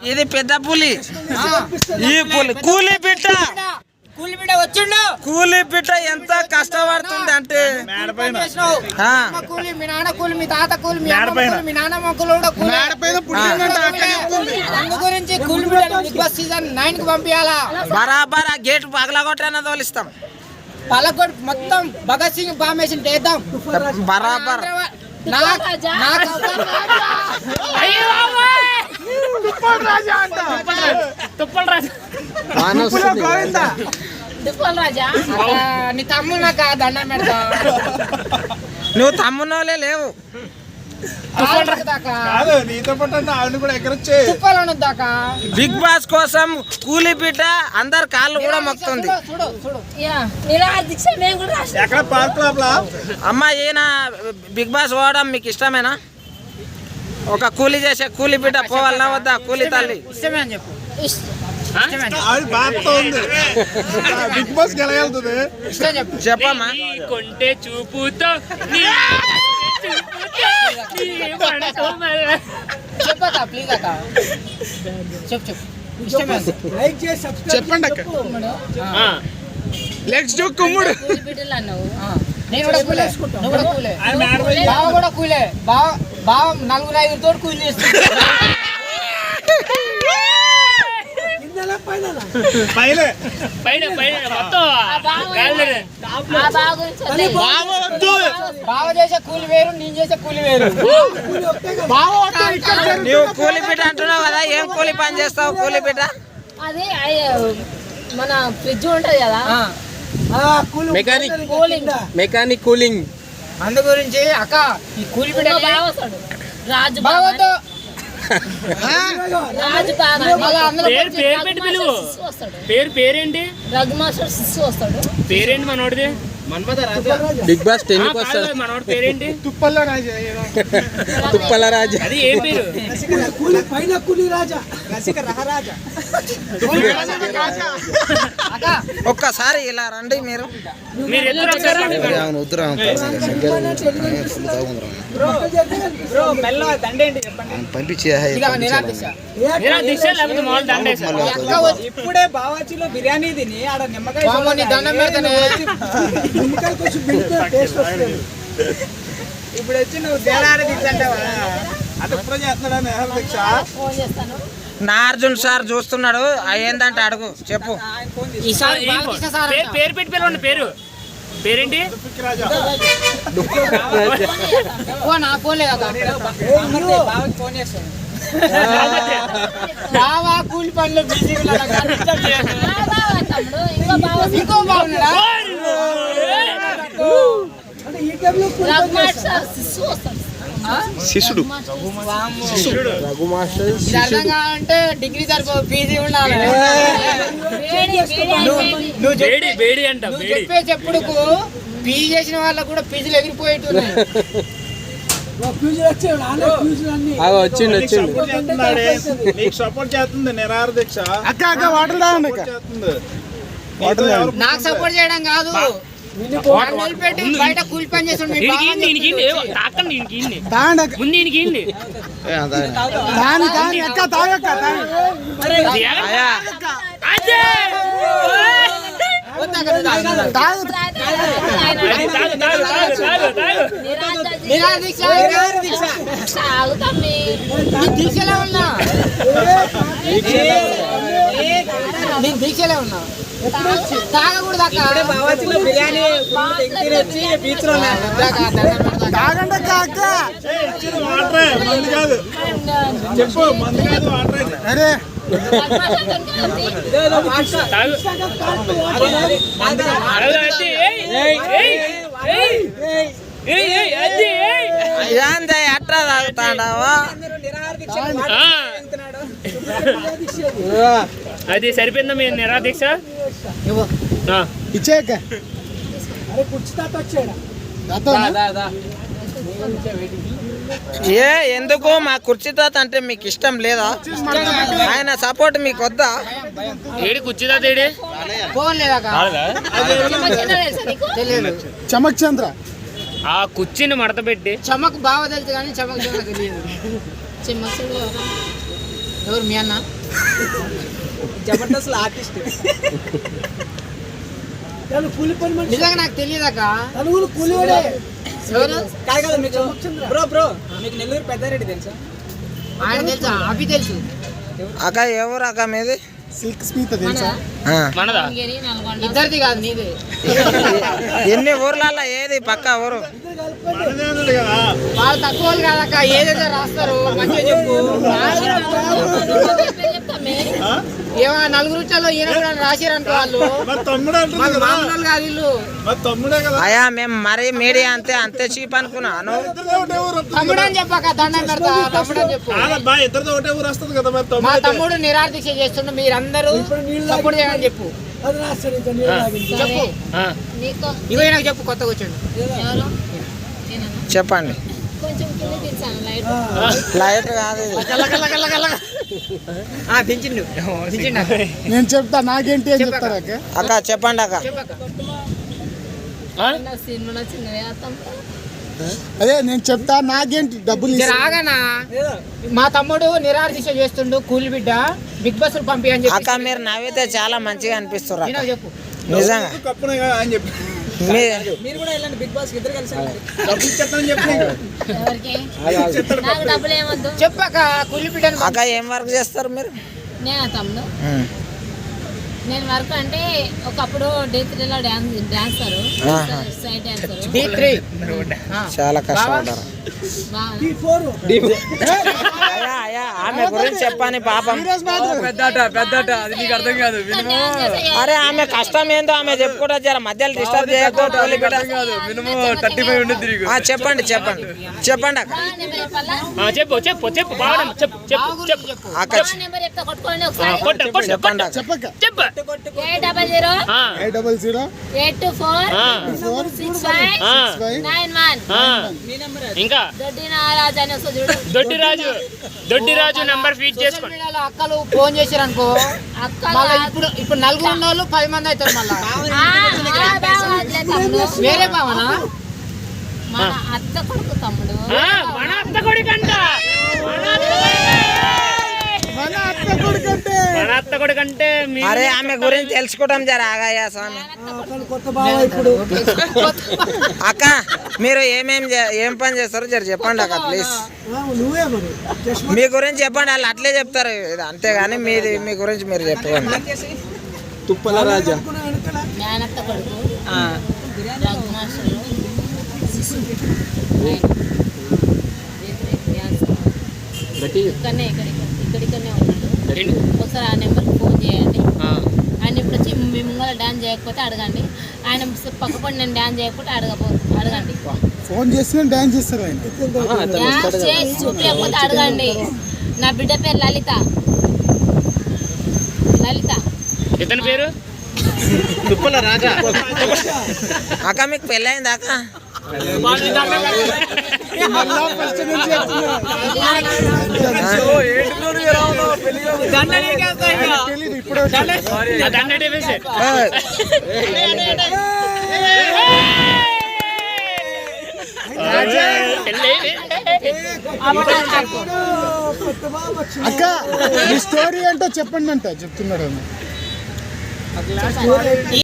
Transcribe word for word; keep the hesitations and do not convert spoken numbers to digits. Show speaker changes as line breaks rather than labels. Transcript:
ఇది పెద్ద పులి. ఈ పులి కూలి బిడ్డ
కూలి బిడ్డ వచ్చిండు.
కూలి బిడ్డ ఎంత కష్టపడుతుంది అంటే
కూలి, మీ నాన్న కూలి, మీ తాత కూలి, మీ అమ్మ కూలి, మీ నాన్నమ్మ కూలి కూడా కూలి. అందు గురించి కూలి బిడ్డ బిగ్ బాస్ సీజన్ నైన్ కి పంపించాలా.
బరాబర్ ఆ గేట్ పగలగొట్టనే తోలిస్తాం.
పలకొట్ మొత్తం భగత్ సింగ్ ఫార్మేషన్ చేద్దాం
బరాబర్.
నీ తమ్ముడు నాకు దండం పెడతా.
నువ్వు తమ్మునోలే లేవు. బిగ్ బాస్ కోసం కూలి బిడ్డ అందరు కాళ్ళు కూడా మొక్కుతుంది. అమ్మ ఈయన బిగ్ బాస్ పోవడం మీకు ఇష్టమేనా? ఒక కూలి చేసే కూలి బిడ్డ పోవాలన్నా వద్దా? కూలి తల్లి
ఇష్టమే అని చెప్పు.
బిగ్ బాస్ గెలగలుగుతుంది.
చెప్పమ్మా.
కొంటే చూపుతో
చెప్పక ప్లీజ్ అక్క చెప్పు చెప్పు.
చెప్పండి అక్క. లెట్స్ డూ కుమ్ముడు.
నేను కూడా కూలే, నువ్వు కూడా కూలే, బావ కూడా కూలే. బావ బావ నలుగురు ఐదు తోటి కూలి చేస్తుంది. బావ చేసే కూలి వేరు, నేను చేసే కూలి వేరు.
నువ్వు కూలి బిడ్డ అంటున్నావు కదా, ఏం కూలి పని చేస్తావు కూలి బిడ్డ?
అది మన ఫ్రిడ్జ్ ఉంటది కదా,
మెకానిక్ మెకానిక్ కూలింగ్.
అందు గురించి అక్క ఈ కూలి బిడ్డ
రాజు
బావతో
రాజు
పేరు పేరేంటి?
రఘు మాస్టర్ శిశు వస్తాడు.
పేరేంటి మనోడిది?
బిగ్ బాస్ టెన్ కి వస్తాడు.
మనోడి పేరేంటి?
తుప్పల్ల రాజా.
తుప్పల రాజా.
అది ఏ పేరు?
ఒక్కసారి ఇలా రండి మీరు.
మీరు ఎదురు
ఇప్పుడే బావాచిలో బిర్యానీ తిని ఆడ నిమ్మకాయ దండం పెడతానే. ఇప్పుడు వచ్చి నువ్వు తేడాడి తింటావా?
అది ఎప్పుడో చేస్తున్నాడా దీక్ష?
నార్జున్ సార్ చూస్తున్నాడు. ఏందంటే అడుగు చెప్పు.
పేరు పెట్టి పిలవండి. పేరు పేరేంటి?
ఫోన్ పోలేదు ఫోన్ చేస్తాను. బావా కూలి పనులు బిజీ ఇంకో బాగున్నాడా?
శిష్యుడు
అర్థం కావాలంటే డిగ్రీ సరిపో పీజీ ఉండాలి. నువ్వు
బేడి అంట.
చెప్పే చెప్పుడుకు పీజీ చేసిన వాళ్ళకు కూడా పీజీలు ఎగిరిపోయేట్టున్నాయి.
సపోర్ట్ చేస్తుంది నిరాహార దీక్ష. అక్క అక్క వాటర్ తాగండి.
నాకు సపోర్ట్ చేయడం కాదు, పెట్టి బయట కూలి పని చేస్తుండే. దీక్షలో ఉన్నా, నేను దీక్షలో ఉన్నా. తాగకూడదు అక్క. బిర్యానీ తినొచ్చి బీచ్ లో
చెప్పు. మందు కాదు వాటర్. అరే
అట్లా తాగుతాడావా?
అది సరిపోయిందా మీ నిరాదీక్ష?
ఇచ్చాక
ఏ ఎందుకు మా కుర్చీ తాత అంటే మీకు ఇష్టం లేదా? ఆయన సపోర్ట్ మీకు వద్దా?
ఏడి కుర్చీ తాత ఏడి?
చమక్ చంద్ర
ఆ కుర్చీని మడత పెట్టి
చమక్ బాగా తెలుసు కానీ చమక్ తెలియదు. ఎవరు మీ అన్న
జబర్దస్త్ ఆర్టిస్ట్
నిజంగా నాకు తెలియదాక
కూలివాడే
ఎవరు
కాదు కదా మీకు బ్రో బ్రో మీకు నెల్లూరు పెద్దారెడ్డి తెలుసా
ఆయన తెలుసా అభి తెలుసు
అక్క ఎవరు అక్క మీది
సిల్క్ స్మిత తెలుసా
ఆ.
మనదా
మంగేరి నల్గొండ
ఇద్దరిది కాదు నీదే
ఎన్ని ఊర్లలో ఏది పక్క ఊరు
మనదేనుడు కదా
వాళ్ళు తక్కువ వాళ్ళు కాదక్క ఏదైతే రాస్తారు మంచిగా చెప్పు
చెప్తామే
ఏమో నలుగురు వచ్చాలో ఈయన కూడా రాసిరు అనుకో వాళ్ళు
మా తమ్ముడు అంటుంది
వాళ్ళు
కదా
మామూలు వాళ్ళు కాదు వీళ్ళు
మా తమ్ముడే కదా
అయ్యా మేము మరీ మీడియా అంతే అంతే చీప్ అనుకున్నాను
ఇద్దరితో ఒకటే ఊరు వస్తుంది
తమ్ముడు అని చెప్పాక దండం పెడతా తమ్ముడు అని చెప్పు
కాదబ్బా ఇద్దరితో ఒకటే ఊరు వస్తుంది కదా మరి
మా
తమ్ముడు అయితే.
తమ్ముడు నిరాదీక్ష చేస్తుండే మీరందరూ సపోర్ట్ చేయని చెప్పు చెప్పు
ఆ.
నీకు
ఇగో నాకు చెప్పు కొత్తగా వచ్చాడు
ఎవరు నేనా?
చెప్పండి
కొంచెం కింద దించాను లైట్
లైట్ కాదు ఇది.
దించిండు దించిండు
నేను చెప్తా నాకేంటి అని
చెప్పక్క.
చెప్తారా అక్క?
అక్క చెప్పండి అక్క
చెప్పక్క
ఆ?
నా సినిమా నచ్చింది వేస్తాం
అదే నేను చెప్తా నాకేంటి డబ్బులు
జర ఆగనా మా తమ్ముడు నిరాదీక్ష చేస్తుండు కూలి బిడ్డ బిగ్ బాస్ పంపి అని
అక్క
చెప్పి
మీరు నవ్వితే చాలా మంచిగా అనిపిస్తారు అక్క.
నాకు చెప్పు
నిజంగా
కప్పునే కదా అని చెప్పి
మీ
మీరు కూడా వెళ్ళండి బిగ్ బాస్ ఇద్దరు కలిసి
డబ్బులు ఇచ్చేస్తానని చెప్పి
ఎవరికి నాకు డబ్బులు ఏమొద్దు
చెప్పక కూలి బిడ్డను
అక్క ఏం వర్క్ చేస్తారు మీరు
నేను తమ్ముడు
ఉమ్.
నేను వర్క్ అంటే ఒకప్పుడు డే త్రీలో డాన్స్ డాన్సర్
ఆహా.
సైడ్ డాన్సర్
డి త్రీ
చాలా కష్టపడ్డారు అయ్యా అయ్యా ఆమె గురించి చెప్పని పాపం అరే ఆమె కష్టం ఏందో ఆమె చెప్పుకుంటా జర మధ్యలో డిస్టర్బ్ చేయకు తోలి బిడ్డ. ఆ, చెప్పండి చెప్పండి చెప్పండి అక్క
ఆ, చెప్పు చెప్పు చెప్పు బాగా చెప్పు చెప్పు చెప్పు
అక్క
నెంబర్ చెప్తా కొట్టుకోండి
ఆ,
ఒకసారి
కొట్టు కొట్టు
చెప్పండి అక్క
చెప్పక్క
చెప్పు
ఎయిట్ డబల్ జీరో
ఆ,
eight double zero
eight two four
ఆ,
సిక్స్ ఫైవ్
ఆ,
ఫైవ్
నైన్ వన్
ఆ. ఇంకా
దొడ్డి నారాజు అని వస్తుంది చూడు
దొడ్డి రాజు దొడ్డి రాజు నంబర్ ఫీడ్
సోషల్
చేసుకోండి
మీడియాలో అక్కలు ఫోన్ చేశారు అనుకో
అక్క
మళ్ళీ ఇప్పుడు ఇప్పుడు నలుగురు ఉన్న వాళ్ళు పది మంది అవుతారు మళ్ళా
ఆ, ఆ, బావట్లే తమ్ముడు.
వేరే భావన
మన అత్త కొడుకు తమ్ముడు
ఆ, మన అత్త కొడుకంట మన అత్త
మన అత్త కొడుకంటే
మన అత్త కొడుకంటే మీ
అరే ఆమె గురించి తెలుసుకోవడం జర ఆగాయా స్వామి అక్క మీరు ఏమేం చే- ఏం పని చేస్తారో జర చెప్పండి అక్క ప్లీజ్ మీ గురించి చెప్పండి వాళ్ళు అట్లే చెప్తారు ఇది అంతేగాని మీది మీ గురించి మీరు చెప్పండి
తుప్పల రాజా
మేనత్త కొడుకు రఘు మాస్టర్ ఇక్కడనే ఇక్కడ ఇక్కడిక్కడనే ఉన్నాడు
ఏంటి?
ఒకసారి ఆ నెంబర్కి ఫోన్ చేయండి
ఆ,
ఆయన ఇప్పుడు వచ్చి మీ ముంగల డాన్స్ చేయకపోతే అడగండి ఆయన పక్కపడి నేను డాన్స్ చేయకపోతే అడగపో అడగండి
ఫోన్ చేస్తే డాన్స్ చేస్తారు ఆయన
డాన్స్ చేసి చూపించకపోతే అడగండి నా బిడ్డ పేరు లలిత లలిత
ఇతని పేరు
అక్క మీకు పెళ్ళయిందా అక్క
మళ్ళా ఫస్ట్ నుంచి చెప్తున్నా. ఆయనకు తెలీదు ఇప్పుడే వచ్చాడు.
ఆ దండ వేసే
అక్క మీ స్టోరీ ఏంటో చెప్పండి అంట చెప్తున్నాడు ఆయన.